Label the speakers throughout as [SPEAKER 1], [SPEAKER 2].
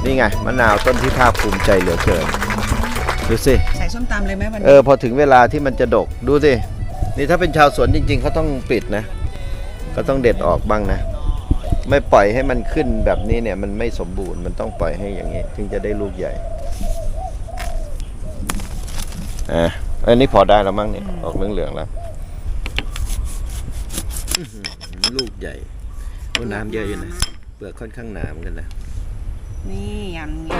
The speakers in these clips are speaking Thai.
[SPEAKER 1] นี่ไงมะนาวต้นที่ภาคภูมิใจเหลือเกินดูสิ
[SPEAKER 2] ใส่ส้มตำเลยไหมวันนี้
[SPEAKER 1] พอถึงเวลาที่มันจะดกดูสินี่ถ้าเป็นชาวสวนจริงๆเขาต้องปิดนะก็ต้องเด็ดออกบ้างนะไม่ปล่อยให้มันขึ้นแบบนี้เนี่ยมันไม่สมบูรณ์มันต้องปล่อยให้อย่างนี้ถึงจะได้ลูกใหญ่อันนี้พอได้แล้วมั้งเนี่ยออกเหลืองๆแล้วลูกใหญ่น้ำเยอะอยู่นะเปลือกค่อนข้างหนาเหมือนกันนะ
[SPEAKER 2] นี่อย่างนี้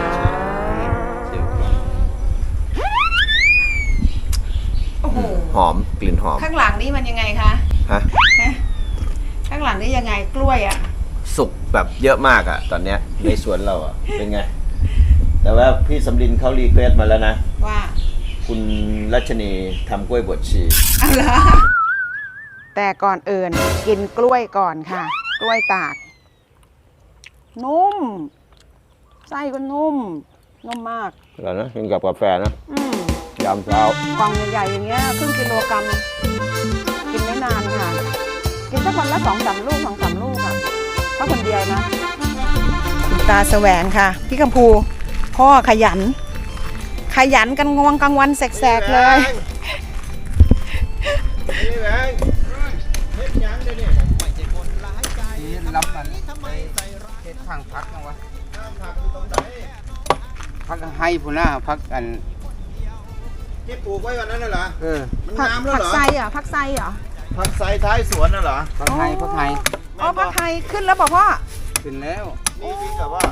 [SPEAKER 2] โอ้โห
[SPEAKER 1] หอมกลิ่นหอม
[SPEAKER 2] ข้างหลังนี่มันยังไงคะ
[SPEAKER 1] ฮะ
[SPEAKER 2] ข้างหลังนี่ยังไงกล้วยอ่ะ
[SPEAKER 1] สุกแบบเยอะมากอ่ะตอนเนี้ยในสวนเราอ่ะเป็นไงแต่ว่าพี่สำลินเขารีเควสมาแล้วนะ
[SPEAKER 2] ว่า
[SPEAKER 1] คุณรัชนีทำกล้วยบดชี
[SPEAKER 2] อะไรแต่ก่อนอื่นกินกล้วยก่อนค่ะกล้วยตากนุ่มไส้ก็นุ่มมาก
[SPEAKER 1] แล้วนะกินกับกาแฟนะยามเช้าก
[SPEAKER 2] ล่องใหญ่ๆอย่างเงี้ยครึ่งกิโลกรัมกินไม่นานค่ะกินสักวันละ2-3 ลูก2-3 ลูกอ่ะถ้าคนเดียวนะคุณตาแสวงค่ะพี่กัมพูพ่อขยันกันงวงกลางวันแสกๆเลย
[SPEAKER 1] นี่แหวงเฮ็ดยังเดี๋ยวนี้
[SPEAKER 3] รับมันเฮ็ดข้างพักนะวะ
[SPEAKER 1] ผักอยู่ตรงไหน
[SPEAKER 3] พักให้พุ่นน่ะพักกัน
[SPEAKER 1] ที่ปลูกไว้วันนั้นน่ะเหรอมันงามแล้วเหรอ
[SPEAKER 2] ผักไซอ่ะผักไซเหรอ
[SPEAKER 1] ผักไซท้ายสวนน่ะเหรอ
[SPEAKER 3] พักให้
[SPEAKER 2] อ๋อผักไซขึ้นแล้วบอกพ่อ
[SPEAKER 3] ขึ้นแล้ว
[SPEAKER 1] นี่พี่กับว่า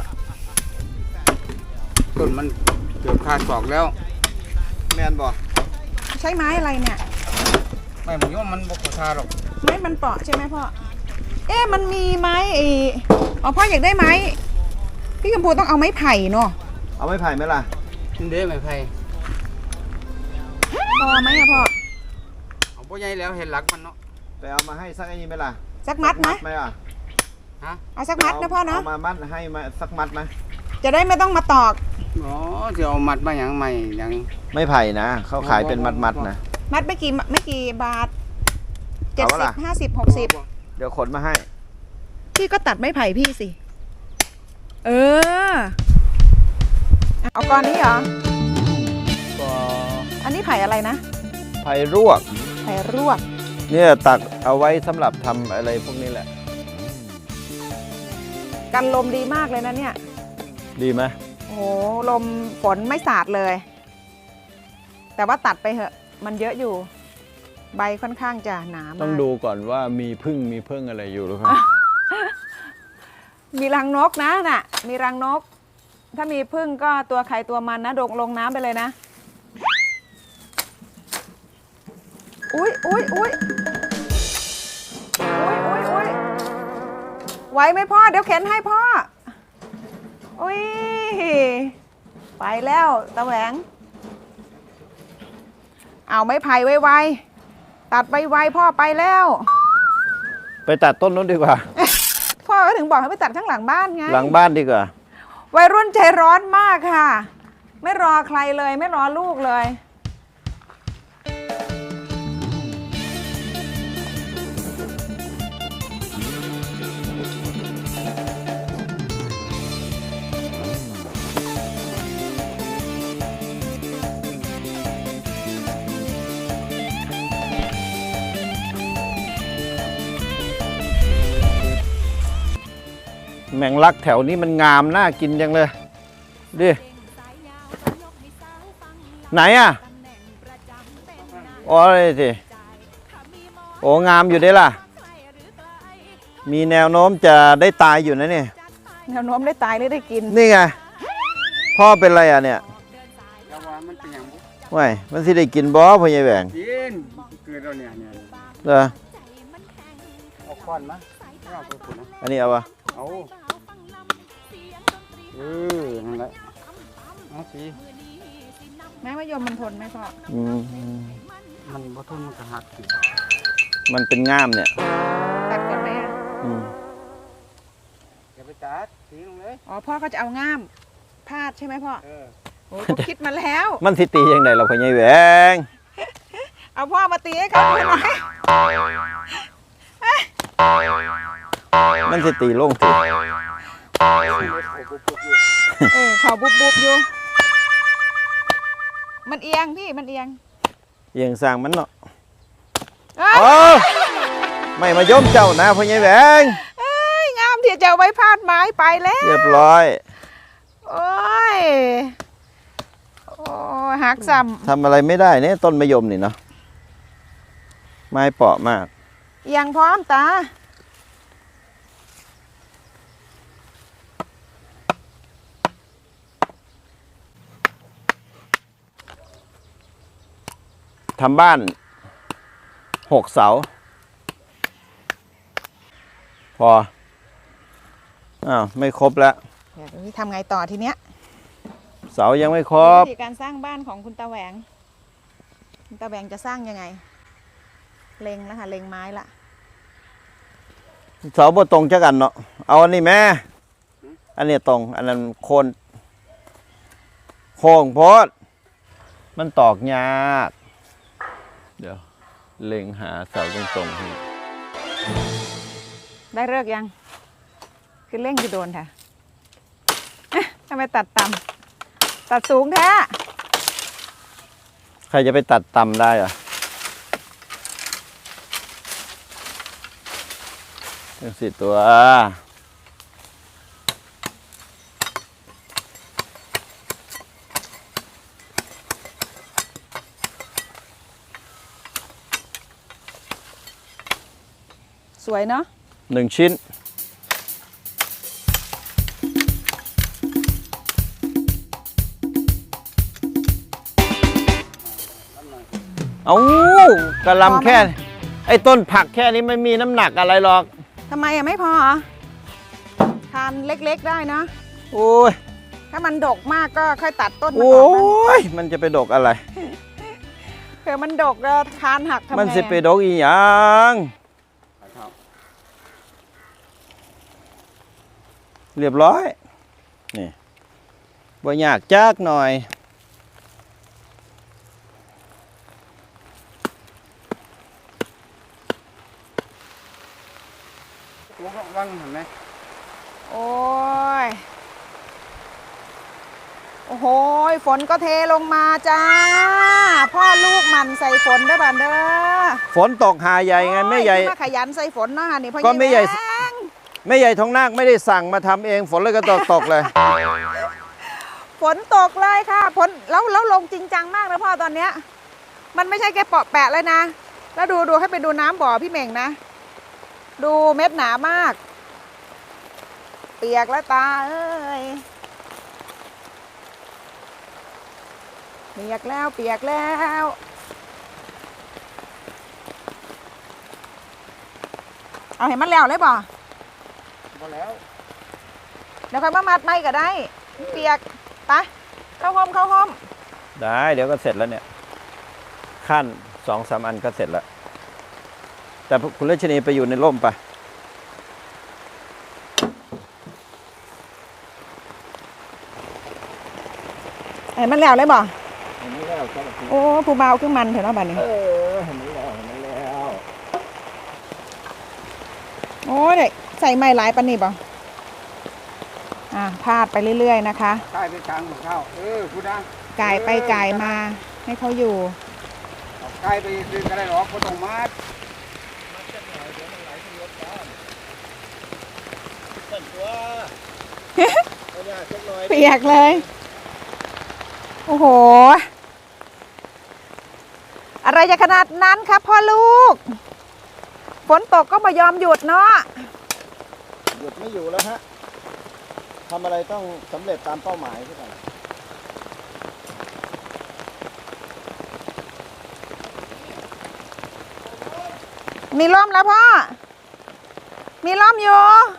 [SPEAKER 3] ต้นมันเกือบขาดศอกแล้ว
[SPEAKER 1] แม่นบ่
[SPEAKER 2] ใช้ไม้อะไรเนี่ย
[SPEAKER 3] ไม่ผมว่ามันบกขาดหรอก
[SPEAKER 2] ไม้มันเปาะใช่ไหมพ่อมันมีไม้พ่ออยากได้ไม้พี่กัมพูต้องเอาไม้ไผ่เนาะ
[SPEAKER 1] เอาไม้ไผ่ไหมล่ะ
[SPEAKER 3] เด้ไม้ไผ่
[SPEAKER 2] พอไหมอะพ่อ
[SPEAKER 3] เอาพ่อใหญ่แล้วเห็นหลักมันเนาะ
[SPEAKER 1] ไปเอามาให้สักไอ้นี่ไหมล่ะ
[SPEAKER 2] สักมัดไหม
[SPEAKER 1] ล่ะ
[SPEAKER 2] เอาสักมัดนะพ่อเนาะ
[SPEAKER 1] เอามามัดให้มาสักมัดไหม
[SPEAKER 2] จะได้ไม่ต้องมาตอก
[SPEAKER 3] อ๋อจะเอามัดมาอย่างใหม่อย่าง
[SPEAKER 1] ไม่ไผ่นะเขาขายเป็นมัดนะ
[SPEAKER 2] มัดไม่กี่บาท70 50 60
[SPEAKER 1] เดี๋ยวขนมาให้
[SPEAKER 2] พี่ก็ตัดไม้ไผ่พี่สิเอาก้อนนี้เหรออันนี้ไผ่อะไรนะ
[SPEAKER 1] ไผ่รวกเนี่ยตักเอาไว้สำหรับทำอะไรพวกนี้แหละ
[SPEAKER 2] กันลมดีมากเลยนะเนี่ย
[SPEAKER 1] ดีไหม
[SPEAKER 2] โอ้โหลมฝนไม่สาดเลยแต่ว่าตัดไปเหอะมันเยอะอยู่ใบค่อนข้างจะหนามาก
[SPEAKER 1] ต้องดูก่อนว่ามีพึ่งอะไรอยู่หรือเปล่า
[SPEAKER 2] มีรังนกนะน่ะมีรังนกถ้ามีพึ่งก็ตัวใครตัวมันนะลงน้ำไปเลยนะอุ้ยไหวไหมพ่อเดี๋ยวเข็นให้พ่ออุ้ยไปแล้วตะแหวงเอาไม้ไผ่ไวๆตัดไวๆพ่อไปแล้ว
[SPEAKER 1] ไปตัดต้นนู้นดีกว่า
[SPEAKER 2] พ่อก็ถึงบอกให้ไปตัดข้างหลังบ้านไง
[SPEAKER 1] หลังบ้านดีกว่า
[SPEAKER 2] วัยรุ่นใจร้อนมากค่ะไม่รอใครเลยไม่รอลูกเลย
[SPEAKER 1] แมงลักแถวนี้มันงามน่ากินจังเลยดิไหนอ่ะโอ้ยสิโอ้งามอยู่ได้ล่ะมีแนวโน้มจะได้ตายอยู่นะเนี่ย
[SPEAKER 2] แนวโน้มได้ตายหรือได้กิน
[SPEAKER 1] นี่ไงพ่อเป็นไรอ่ะเนี่ย
[SPEAKER 3] มันเป็นอย่าง
[SPEAKER 1] ไม่มันสิได้กินบ่พ่อใหญ่แหวง
[SPEAKER 3] กินเกิดเราเนี่ย
[SPEAKER 1] เหรอ
[SPEAKER 3] เอาค้อนมา
[SPEAKER 1] อันนี้เอาวะ
[SPEAKER 3] เอานั่นแหละเอาสิ
[SPEAKER 2] แม้ว่ายมมันทนไหมพ่อ
[SPEAKER 3] มันบ่ทนมันก็หัก
[SPEAKER 1] มันเป็นง่ามเนี่ย
[SPEAKER 2] ตัดก่อนไหม
[SPEAKER 3] อย่าไปตัดทิ้งลงเลย
[SPEAKER 2] พ่อก็จะเอาง่ามพาดใช่ไหมพ่อโอ้ยคิดมาแล้ว
[SPEAKER 1] มันสิตียังไงเราพ่อใหญ่แหวง
[SPEAKER 2] เอาพ่อมาตีให้เขาดูหน่อย
[SPEAKER 1] มันสิตีลงสิ
[SPEAKER 2] เขาบุบบุบอยู่มันเอียงพี่มันเอียง
[SPEAKER 1] เอียงสร้างมันเนาะ
[SPEAKER 2] เอ้ย
[SPEAKER 1] โอ้ไม่มาย่มเจ้านะพ่อใหญ่แหวง
[SPEAKER 2] เอ้ยงามที่จะเอาไว้พาดไม้ไปแล้ว
[SPEAKER 1] เรียบร้อย
[SPEAKER 2] โอ้ยโอ้ยหักซ้
[SPEAKER 1] ทำอะไรไม่ได้เนี่ยต้นมะยมนี่เนาะไม้เปราะมาก
[SPEAKER 2] ำเอียงพร้อมตา
[SPEAKER 1] ทำบ้าน6 เสา พออ้าวไม่ครบแล้ว
[SPEAKER 2] เดี๋ยวทำไงต่อทีเนี้ย
[SPEAKER 1] เสายังไม่ครบ
[SPEAKER 2] วิธีการสร้างบ้านของคุณตาแหวงคุณตาแหวงจะสร้างยังไง เล็งแล้วค่ะเล็งไม้ละ
[SPEAKER 1] เสาบ่ตรงจักอันเนาะเอาอันนี้แม่อันนี้ตรง อันนั้นโค้งโพดมันตอกยากเดี๋ยวเล็งหาเสาตรงๆให้
[SPEAKER 2] ได้เลิกยัง คือเร่งจะโดนค่ะเอ๊ะทำไมตัดต่ำตัดสูงแท้
[SPEAKER 1] ใครจะไปตัดต่ำได้อะจังสิตัว
[SPEAKER 2] สวยเนาะ
[SPEAKER 1] 1 ชิ้น เอากระหลำแค่ ไอ้ต้นผักแค่นี้ไม่มีน้ำหนักอะไรหรอก
[SPEAKER 2] ทำไมไม่พอเหรอทานเล็กๆได้นะ
[SPEAKER 1] โอ้ย
[SPEAKER 2] ถ้ามันดกมากก็ค่อยตัดต้นมัน
[SPEAKER 1] โอ้
[SPEAKER 2] ออกนะ
[SPEAKER 1] ย มันจะไปดกอะไร
[SPEAKER 2] เผื่อมันดกแล้วคานหักทำไง
[SPEAKER 1] มันสิไปดกอีหยัง เรียบร้อย นี่บ่ยากจักหน่อย
[SPEAKER 3] ตัวก็ว่างเห็นไหม
[SPEAKER 2] โอ้ย โอ้โหฝนก็เทลงมาจ้า พ่อลูกมันใส่ฝนได้บ้านเด้อ
[SPEAKER 1] ฝนตกหาใหญ่ไงแม่ใหญ่
[SPEAKER 2] โอ้ยที่มาขยันใส่ฝนเนาะนี่พ่อ
[SPEAKER 1] ก็แม่ใหญ่
[SPEAKER 2] แหวง
[SPEAKER 1] แม่ใหญ่ทองนาคไม่ได้สั่งมาทำเองฝนเลยก็ตกเลย
[SPEAKER 2] ฝนตกเลยค่ะฝนแล้วลงจริงจังมากนะพ่อตอนเนี้ย มันไม่ใช่แค่เปาะแปะเลยนะ แล้วดูให้ไปดูน้ำบ่อพี่เหม่งนะ ดูเม็ดหนามาก เปียกแล้วตาเอ้ยเปียกแล้วเอาเห็นมันแล้วเลยบ่
[SPEAKER 3] พอแล้ว
[SPEAKER 2] เดี๋ยวค่อยมามัดไม่ก็ได้ เปียกไปเข้าห้อง
[SPEAKER 1] ได้เดี๋ยวก็เสร็จแล้วเนี่ย ขั้น2-3 อันก็เสร็จแล้ว แต่คุณเลชนีไปอยู่ในร่มไป
[SPEAKER 2] เห็นมันแล้วเลยบ่
[SPEAKER 1] เห็นไหมแล้วครับ
[SPEAKER 2] โอ้ผู้เบาขึ้นมันเถอะเนาะบัดนี้
[SPEAKER 1] เห็นไหมแล้ว
[SPEAKER 2] โอ้ยใส่ไม้หลายปานนี่บ่พาดไปเรื่อยๆนะคะ
[SPEAKER 3] ใต้ไปกลางของข้าวพูดนะ
[SPEAKER 2] ก่ายไปก่ายมาให้เขาอยู่
[SPEAKER 3] ใต้ไปคืนก็ได้หรอกก็ต้องมัด
[SPEAKER 2] เปียกเลย โอ้โห อะไรจะขนาดนั้นครับพ่อลูก ฝนตกก็ไม่ยอมหยุดเนาะ
[SPEAKER 1] หยุดไม่อยู่แล้วฮะทำอะไรต้องสำเร็จตามเป้าหมายทุกอย่าง
[SPEAKER 2] มีร่มแล้วพ่อ มีร่มอยู่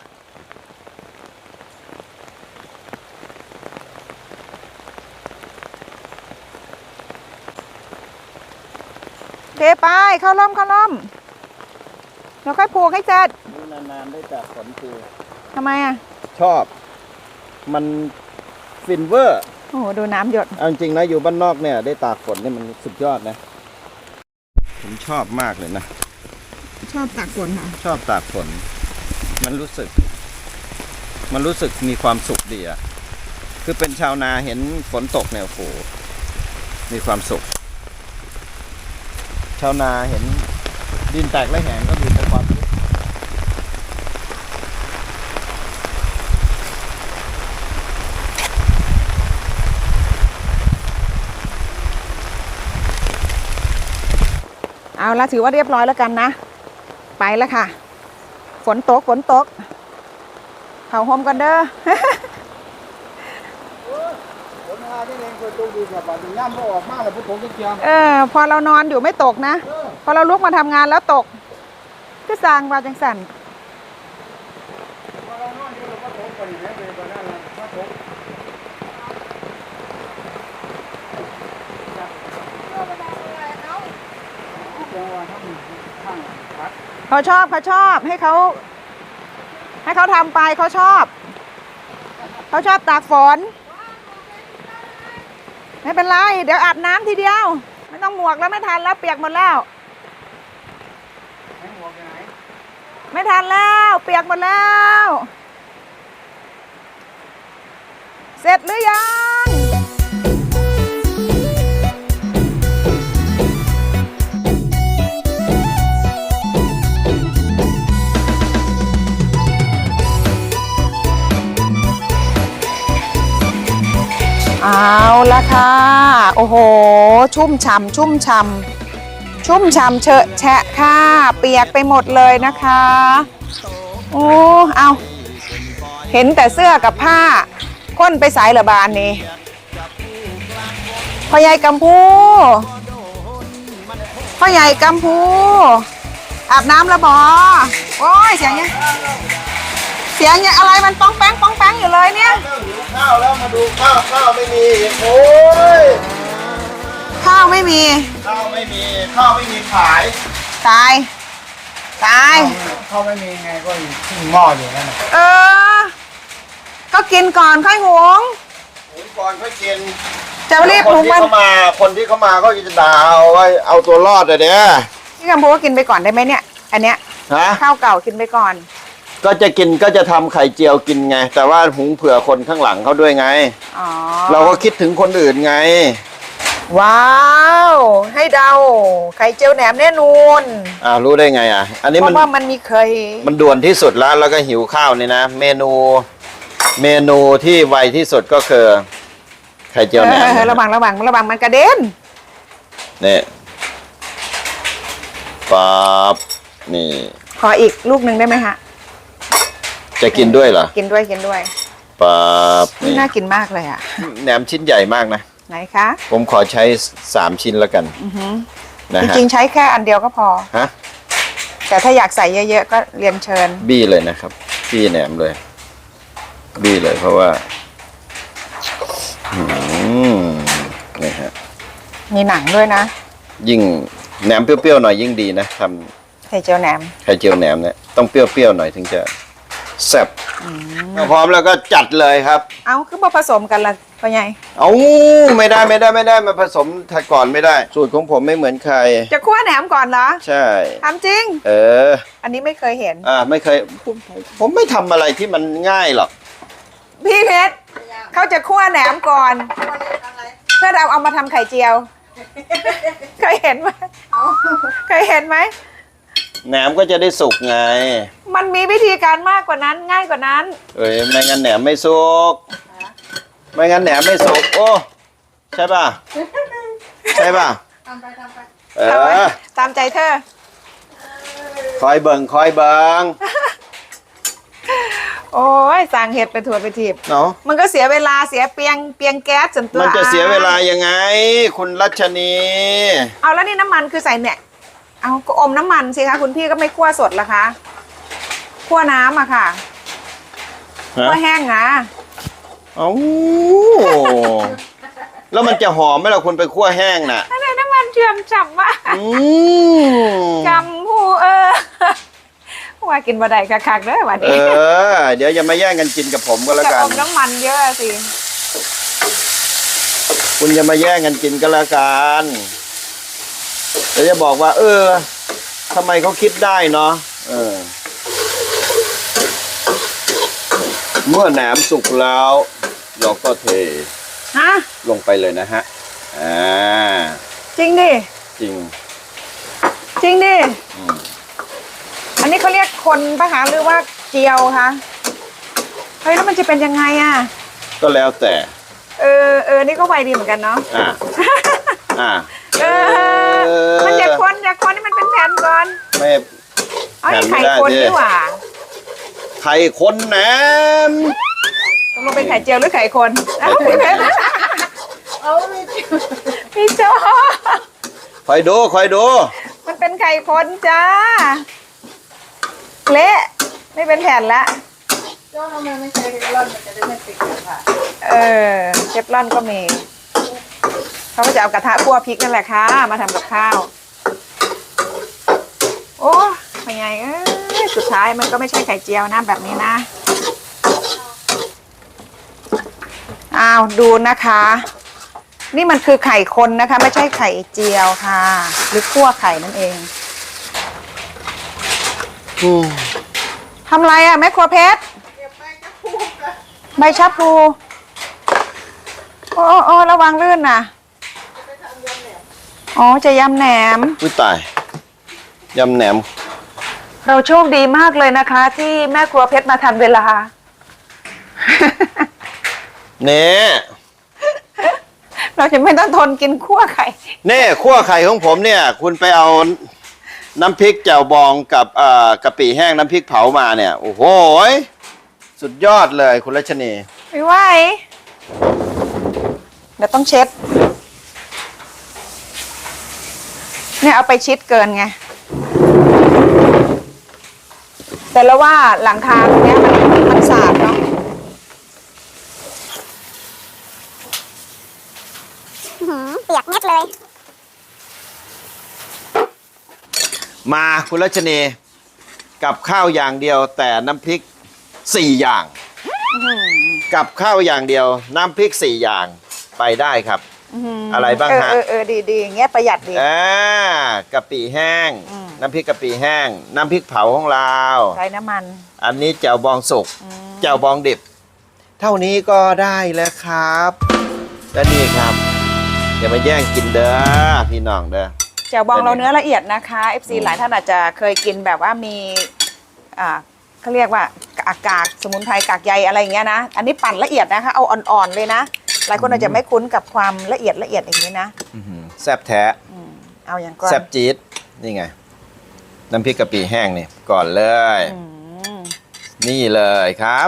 [SPEAKER 2] เทไปเข้าร่มเดี๋ยวค่อยผูกให้เสร็จ
[SPEAKER 1] นี่นานๆได้จากฝนคือ
[SPEAKER 2] ทำไมอ่ะ
[SPEAKER 1] ชอบ มันฟินเวอร์
[SPEAKER 2] โอ้โห ดูน้ำหยด
[SPEAKER 1] เอาจริงนะอยู่บ้านนอกเนี่ยได้ตากฝนนี่มันสุดยอดนะ ผมชอบมากเลยนะ
[SPEAKER 2] ชอบตากฝนค่ะ
[SPEAKER 1] ชอบตากฝน มันรู้สึกมันรู้สึกมีความสุขดีอะคือเป็นชาวนาเห็นฝนตกเนี่ยโอ้โหมีความสุข ชาวนาเห็นดินแตกและแหงก็มีแต่ความสุข
[SPEAKER 2] เอาละถือว่าเรียบร้อยแล้วกันนะ ไปแล้วค่ะ ฝนตกเขาโฮมกันเด้อ
[SPEAKER 3] ผลงานที่เองเคยตกดีกับบัดนี้ย่ำบ่ออกมาแล้วพวกผมก็เกี่ยว
[SPEAKER 2] พอเรานอนอยู่ไม่ตกนะ พอเราลุกมาทำงานแล้วตกก็สร้างว่าจังสัน
[SPEAKER 3] พอเรานอนอยู่เราก็ตกไปอีกแล้วเลยวันนั้นเราก็ตกจังหวะทั้งข้างพัด
[SPEAKER 2] เขาชอบให้เขาทำไปเขาชอบตากฝนไม่เป็นไรเดี๋ยวอาบน้ำทีเดียวไม่ต้องหมวกแล้วไม่ทันแล้วเปียกหมดแล้ว
[SPEAKER 3] ให้หัวไปไหน
[SPEAKER 2] ไม่ทันแล้วเปียกหมดแล้ว เสร็จหรือยังเอาละค่ะโอ้โหชุ่มฉ่ำเฉอะแฉะค่ะเปียกไปหมดเลยนะคะโอ้เอาเห็นแต่เสื้อกับผ้าค้นไปสายเหลือบานนี่พ่อใหญ่กัมพูอาบน้ำแล้วบอโอ้ยเสียงยังอะไรมันป้องแป้งอยู่เลยเนี่ย
[SPEAKER 1] หิวข้าวแล้วมาดูข้าวไม่มีโอ้ย
[SPEAKER 2] ข้าวไม่มี
[SPEAKER 1] ข้าวไม่มีขาย
[SPEAKER 2] ตาย
[SPEAKER 3] เขาไม่มีไงก็ทิ้งหม้ออยู่นั่นน่ะ
[SPEAKER 2] ก็กินก่อนค่อยหุง
[SPEAKER 1] หุงก่อนค่อยกิน
[SPEAKER 2] จะรีบหุงมัน
[SPEAKER 1] คนที่เขามาก็จะด่าเอาไว้เอาตัวรอดเลยเนี่ย
[SPEAKER 2] พี่กัมพูก็กินไปก่อนได้ไหมเนี่ยอันเนี้ย
[SPEAKER 1] ฮะ
[SPEAKER 2] ข้าวเก่ากินไปก่อน
[SPEAKER 1] ก็จะทำไข่เจียวกินไง แต่ว่าหุงเผื่อคนข้างหลังเขาด้วยไง
[SPEAKER 2] อ๋อ
[SPEAKER 1] เราก็คิดถึงคนอื่นไง
[SPEAKER 2] ว้าวให้เดาไข่เจียวแหนมแน่นอน
[SPEAKER 1] รู้ได้ไงอันนี้
[SPEAKER 2] เพ
[SPEAKER 1] มัน
[SPEAKER 2] ราะว่ามันมีเคย
[SPEAKER 1] มันด่วนที่สุดแล้วก็หิวข้าวนี่นะเมนูที่ไวที่สุดก็คือไข่เจียวแหนม
[SPEAKER 2] ระวังมันกระเด็น
[SPEAKER 1] นี่ปั๊บนี่
[SPEAKER 2] ขออีกลูกหนึ่งได้ไหมฮะ
[SPEAKER 1] จะกินด้วยเหรอ
[SPEAKER 2] กินด้วย
[SPEAKER 1] ปั๊บนี่
[SPEAKER 2] น่ากินมากเลยอ่ะ
[SPEAKER 1] แหนมชิ้นใหญ่มากนะ
[SPEAKER 2] ไหนคะ
[SPEAKER 1] ผมขอใช้3ชิ้นแล้วกันนะ
[SPEAKER 2] จ
[SPEAKER 1] ฮะ
[SPEAKER 2] ริงๆใช้แค่อันเดียวก็พอ
[SPEAKER 1] ฮะ
[SPEAKER 2] แต่ถ้าอยากใส่เยอะๆก็เรียนเชิญ
[SPEAKER 1] บี้เลยนะครับบี้แหนมเลยบี้เลยเพราะว่านี่ฮะ
[SPEAKER 2] มีหนังด้วยนะ
[SPEAKER 1] ยิ่งแหนมเปรี้ยวๆหน่อยยิ่งดีนะท
[SPEAKER 2] ไข่เจียวแหนม
[SPEAKER 1] ำไข่เจียวแหนมเนี่ยต้องเปรี้ยวๆหน่อยถึงจะแซ่บพร้อมแล้วก็จัดเลยครับ
[SPEAKER 2] เอาคือมาผสมกันละพ่อใหญ่
[SPEAKER 1] เอาไม่ได้มาผสมถ้าก่อนไม่ได้ สูตรของผมไม่เหมือนใคร
[SPEAKER 2] จะคั่วแหนมก่อนเหรอ
[SPEAKER 1] ใช่
[SPEAKER 2] ทำจริง อันนี้ไม่เคยเห็น
[SPEAKER 1] ไม่เคยผมไม่ทำอะไรที่มันง่ายหรอก
[SPEAKER 2] พี่เพชรเขาจะคั่วแหนมก่อน เพื่อเอามาทำไข่เจียว เคยเห็นไหม
[SPEAKER 1] แหนมก็จะได้สุกไง
[SPEAKER 2] มันมีวิธีการมากกว่านั้นง่ายกว่านั้น
[SPEAKER 1] ไม่งั้นแหนมไม่สุกโอ้ใช่ป่ะทำไป
[SPEAKER 2] ตามใจเธอ
[SPEAKER 1] คอยเบิง
[SPEAKER 2] โอ้ยสั่งเห็ดไปถั่วไปทีบ
[SPEAKER 1] เนาะ
[SPEAKER 2] มันก็เสียเวลาเสียเปียงแก๊สจนตัว
[SPEAKER 1] มันจะเสียเวลายังไง คุณรัชนี
[SPEAKER 2] เอาแล้วนี่น้ำมันคือใส่เนี่ยเอาก็อมน้ำมันสิคะคุณพี่ก็ไม่คั่วสดละคะคั่วน้ำอะค่ะคั่วแห้งนะ
[SPEAKER 1] เอ้าแล้วมันจะหอมไหมล่ะคุณไปคั่วแห้งน่ะ
[SPEAKER 2] อะไรน้ำมันเชื่อมฉ่ำมากจำผู้ว่ากินบะไดคักๆเด้อวันนี้
[SPEAKER 1] เดี๋ยวอย่ามาแย่งกันกินกับผมก็แล้ว
[SPEAKER 2] จะ
[SPEAKER 1] กั
[SPEAKER 2] อน มน้ำมันเยอะสิ
[SPEAKER 1] คุณอย่ามาแย่งกันกินก็แล้วกันเดี๋ยวจะบอกว่าทำไมเขาคิดได้เนาะเมื่อแหนมสุกแล้วเราก็เท
[SPEAKER 2] ฮะ
[SPEAKER 1] ลงไปเลยนะฮะ
[SPEAKER 2] จริงดิ
[SPEAKER 1] จริง
[SPEAKER 2] จริงดิอันนี้เขาเรียกคนปะคะหรือว่าเจียวคะเฮ้ยแล้วมันจะเป็นยังไงอ่ะ
[SPEAKER 1] ก็แล้วแต่
[SPEAKER 2] นี่ก็ไวดีเหมือนกันเนาะ มันจะคนให้มันเป็นแผ่นก่อน
[SPEAKER 1] ไม่
[SPEAKER 2] เอาไข่คนดีกว่า
[SPEAKER 1] ไข่คนแหนม
[SPEAKER 2] ตกลงเป็นไข่เจียวหรือไข่คนพี่โจ
[SPEAKER 1] คอยดู
[SPEAKER 2] มันเป็นไข่คนจ้าเละไม่เป็นแผ่นละโจทำไมไม่ใช้เทฟลอนมันจะได้ไม่ติดกันค่ะเทฟลอนก็มีเขาก็จะเอากระทะคั่วพริกนั่นแหละค่ะมาทำกับข้าวโอ้เป็นไงสุดท้ายมันก็ไม่ใช่ไข่เจียวนะแบบนี้นะอ้าวดูนะคะ นี่มันคือไข่คนนะคะไม่ใช่ไข่เจียวค่ะหรือคั่วไข่นั่นเองทำไรอ่ะแม่ครัวเพชรใบชะพลูโอ้ระวังลื่นนะอ๋อจะยำแหนม
[SPEAKER 1] อุ้ยตายยำแหนม
[SPEAKER 2] เราโชคดีมากเลยนะคะที่แม่ครัวเพชรมาทันเวลา
[SPEAKER 1] เนี่ย
[SPEAKER 2] เราจะไม่ต้องทนกินคั่วไข่
[SPEAKER 1] เนี่ยคั่วไข่ของผมเนี่ยคุณไปเอาน้ำพริกแจ่วบองกับกะปิแห้งน้ำพริกเผามาเนี่ยโอ้โหสุดยอดเลยคุณรัชนี
[SPEAKER 2] ไม่ไหวเดี๋ยวต้องเช็ดเนี่ยเอาไปชิดเกินไงแต่แล้วว่าหลังคาตรงนี้มันสาดเนาะ
[SPEAKER 4] เปียกเม็ดเลย
[SPEAKER 1] มาคุณรัชนีกับข้าวอย่างเดียวแต่น้ำพริก4อย่างกับข้าวอย่างเดียวน้ำพริก4อย่างไปได้ครับอะไรบ้างฮะ
[SPEAKER 2] ดีอย่างเงี้ยประหยัดดี
[SPEAKER 1] กะปิแห้งน้ำพริกกะปิแห้งน้ำพริกเผาของเรา
[SPEAKER 2] ใช้น้ำมัน
[SPEAKER 1] อันนี้แจ่วบองสุกแจ่วบองดิบเท่านี้ก็ได้แล้วครับและนี่ครับอย่ามาแย่งกินเด้อพี่น้องเด้อ
[SPEAKER 2] แจ่วบองเราเนื้อละเอียดนะคะ FC หลายท่านอาจจะเคยกินแบบว่ามีเขาเรียกว่ากากสมุนไพรกากใยอะไรอย่างเงี้ยนะอันนี้ปั่นละเอียดนะคะเอาอ่อนๆเลยนะหลายคนอาจจะไม่คุ้นกับความละเอียดอย่างนี้นะ
[SPEAKER 1] แซ่บแท้
[SPEAKER 2] เอาอย่างก่อน
[SPEAKER 1] แซ่บจี๊ดนี่ไงน้ำพริกกะปิแห้งนี่ก่อนเลยนี่เลยครับ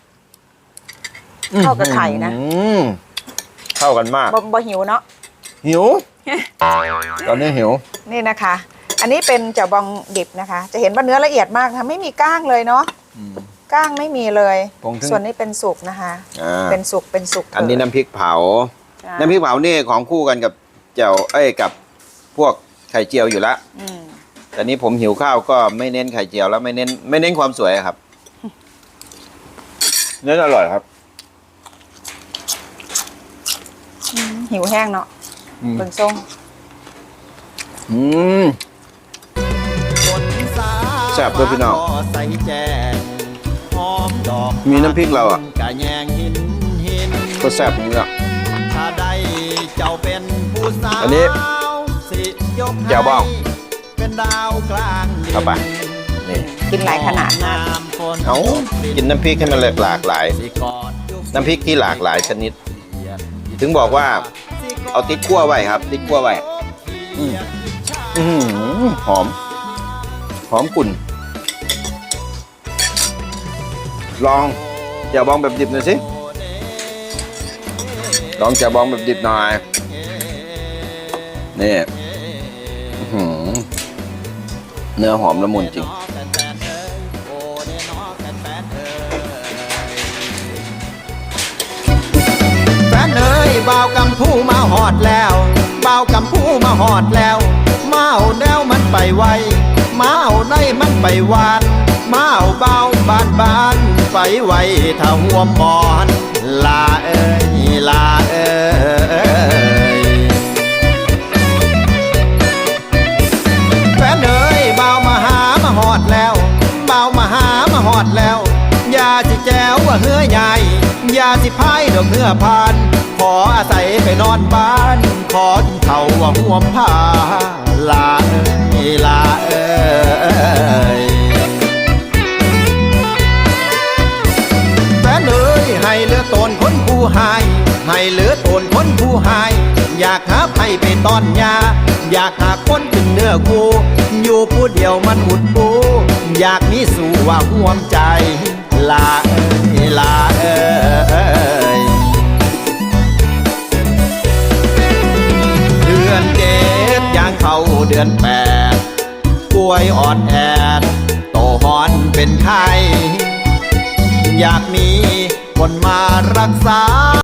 [SPEAKER 2] เข้ากับไข่นะ
[SPEAKER 1] เข้ากันมาก
[SPEAKER 2] บ่หิวเนาะ
[SPEAKER 1] หิวตอนนี้หิว
[SPEAKER 2] นี่นะคะอันนี้เป็นแจ่วบองดิบนะคะจะเห็นว่าเนื้อละเอียดมากค่ะไม่มีก้างเลยเนาะก้างไม่มีเลยส่วนนี้เป็นสุกนะคะเป็นสุก
[SPEAKER 1] อันนี้น้ำพริกเผาน้ำพริกเผานี่ของคู่กันกับแจ่วกับพวกไข่เจียวอยู่แล้วแต่นี้ผมหิวข้าวก็ไม่เน้นไข่เจียวแล้วไม่เน้นความสวยครับเนื้ออร่อยครับ
[SPEAKER 2] หิวแห้งเนาะเป็นส้ม
[SPEAKER 1] แซ่บด้วยพี่น้องมีน้ำพริกเราอ่ะก็แซ่บนี่แหละอันนี้แจ่วบองเข้าไปนี่
[SPEAKER 2] กินหลายขนาดมาก
[SPEAKER 1] เอากินน้ำพริกให้มันหลากหลายน้ำพริกที่หลากหลายชนิดถึงบอกว่าเอาติ๊กคั่วไว้ครับติ๊กคั่วไว้หอมกุ่นลองแจ่วบองแบบดิบหน่อยสิลองแจ่วบองแบบดิบหน่อยนี่เนื้อหอมละมุนจริง
[SPEAKER 5] แฟนเอ้ยบ่าวกำพูมาหอดแล้วบ่าวกำพูมาหอดแล้วมาเอาแนวมันไปไวมาเอาในมันไปวานมาเอาเบาบ้านไปไวถ้าหัวมอนลาเอ้ยแฟนเอ้ยบ่าวมาหามาหอดแล้วบ่าวมาหามาหอดแล้วอย่าสิแจวว่าเฮือยเมื่อผ่าน ขออาศัยไปนอนบ้าน ขอกินเขาวว่าห่วมผ้าลาเอ้ยลาเอ้ยแฟนเอ้ยให้เหลือตนคนผู้หายให้เหลือตนคนผู้หายอยากหาไผไปตอนยาอยากหาคนถึงเนื้อกูอยู่ผู้เดียวมันหุดปูอยากมีสู่ว่าห่วมใจลาเอ้ยลาเอ้ยเดือน7ย่างเข้าเดือน8ป่วยอ่อนแอดโตหอนเป็นไข้อยากมีคนมารักษา